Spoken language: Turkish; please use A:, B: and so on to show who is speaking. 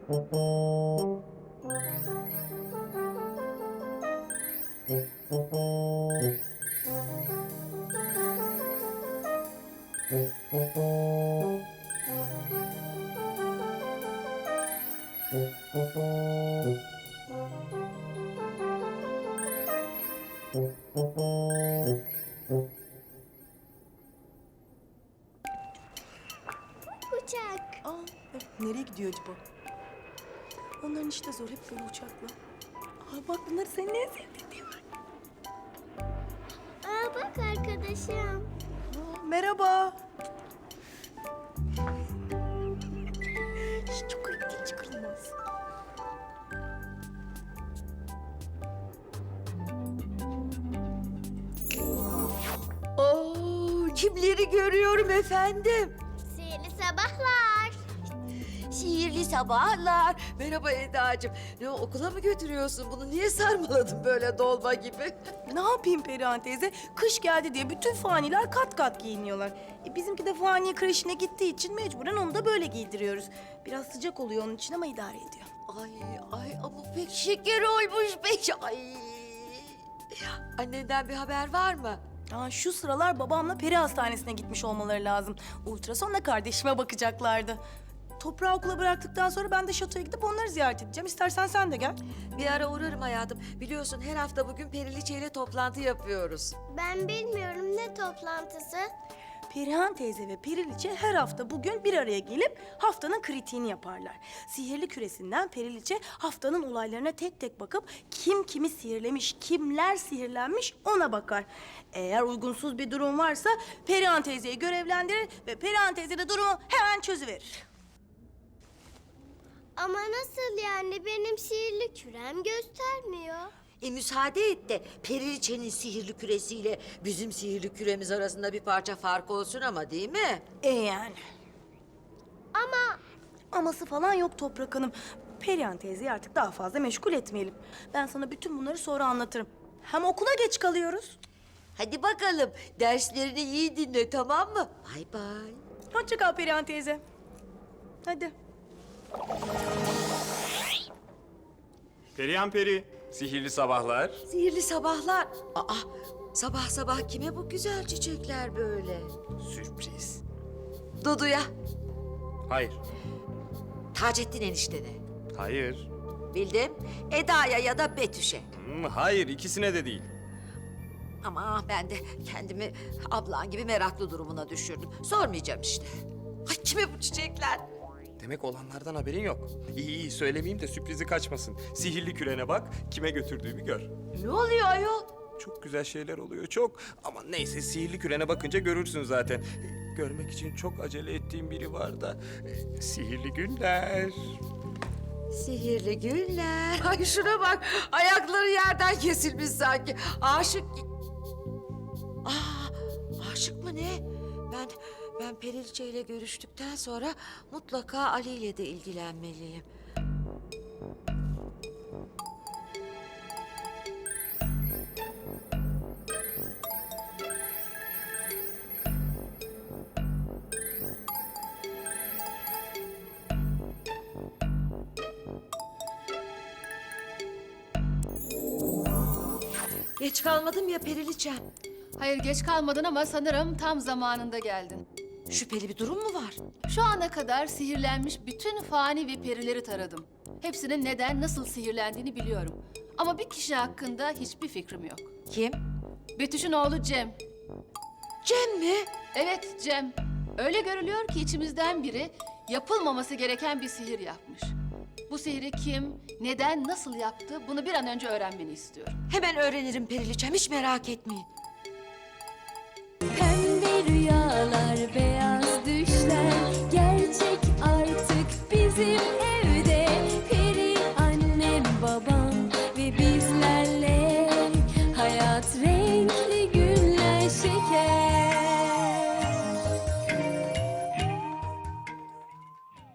A: Uçak.
B: Nereye gidiyor acaba? Onların işte zor, hep böyle uçakla. Bak bunlar senin en sevdiğin değil mi?
A: Bak arkadaşım.
B: Merhaba. Çok ayıp değil, çıkarılmaz.
C: Kimleri görüyorum efendim?
A: Sihirli sabahlar.
C: Sihirli sabahlar. Merhaba Eda'cığım. Ne okula mı götürüyorsun bunu? Niye sarmaladın böyle dolma gibi?
B: Ne yapayım Perihan teyze? Kış geldi diye bütün faniler kat kat giyiniyorlar. Bizimki de fani kreşine gittiği için mecburen onu da böyle giydiriyoruz. Biraz sıcak oluyor onun için ama idare ediyor.
C: Ay ama pek şeker olmuş pek. Ay. Annenden bir haber var mı?
B: Şu sıralar babamla peri hastanesine gitmiş olmaları lazım. Ultrasonla kardeşime bakacaklardı. Toprağı okula bıraktıktan sonra ben de şatoya gidip onları ziyaret edeceğim. İstersen sen de gel.
C: Bir ara uğrarım hayatım. Biliyorsun her hafta bugün Periliçe ile toplantı yapıyoruz.
A: Ben bilmiyorum ne toplantısı.
B: Perihan teyze ve Periliçe her hafta bugün bir araya gelip haftanın kritiğini yaparlar. Sihirli küresinden Periliçe haftanın olaylarına tek tek bakıp kim kimi sihirlemiş, kimler sihirlenmiş ona bakar. Eğer uygunsuz bir durum varsa Perihan teyzeyi görevlendirir ve Perihan teyze de durumu hemen çözüverir.
A: Ama nasıl yani? Benim sihirli kürem göstermiyor.
C: Müsaade et de Periliçe'nin sihirli küresiyle bizim sihirli küremiz arasında bir parça fark olsun ama değil mi?
B: Yani.
A: Ama
B: Aması falan yok Toprak Hanım. Perihan teyzeyi artık daha fazla meşgul etmeyelim. Ben sana bütün bunları sonra anlatırım. Hem okula geç kalıyoruz.
C: Hadi bakalım derslerini iyi dinle tamam mı? Bay bay.
B: Hoşça kal Perihan teyze. Hadi.
D: Perihan Peri, sihirli sabahlar.
C: Sihirli sabahlar. Sabah sabah kime bu güzel çiçekler böyle?
D: Sürpriz.
C: Dudu'ya,
D: Hayır,
C: Taceddin eniştene.
D: hayır.
C: Bildim. Eda'ya ya da Betüş'e.
D: Hayır, ikisine de değil.
C: Ama ben de kendimi ablan gibi meraklı durumuna düşürdüm. Sormayacağım işte. Ay kime bu çiçekler?
D: Demek olanlardan haberin yok. İyi, söylemeyeyim de sürprizi kaçmasın. Sihirli kürene bak, kime götürdüğümü gör.
C: Ne oluyor ayol?
D: Çok güzel şeyler oluyor, çok. Ama neyse, sihirli kürene bakınca görürsün zaten. Görmek için çok acele ettiğim biri var da. Sihirli günler.
C: Sihirli günler. Ay şuna bak. Ayakları yerden kesilmiş sanki. Aşık... Aşık mı ne? Ben Periliçe ile görüştükten sonra mutlaka Ali ile de ilgilenmeliyim. Geç kalmadım ya Periliçem.
E: Hayır geç kalmadın ama sanırım tam zamanında geldin.
C: Şüpheli bir durum mu var?
E: Şu ana kadar sihirlenmiş bütün fani ve perileri taradım. Hepsinin neden, nasıl sihirlendiğini biliyorum. Ama bir kişi hakkında hiçbir fikrim yok.
C: Kim?
E: Betüş'ün oğlu Cem.
C: Cem mi?
E: Evet Cem. Öyle görülüyor ki içimizden biri yapılmaması gereken bir sihir yapmış. Bu sihri kim, neden, nasıl yaptı bunu bir an önce öğrenmeni istiyorum.
C: Hemen öğrenirim Periliçem, hiç merak etmeyin.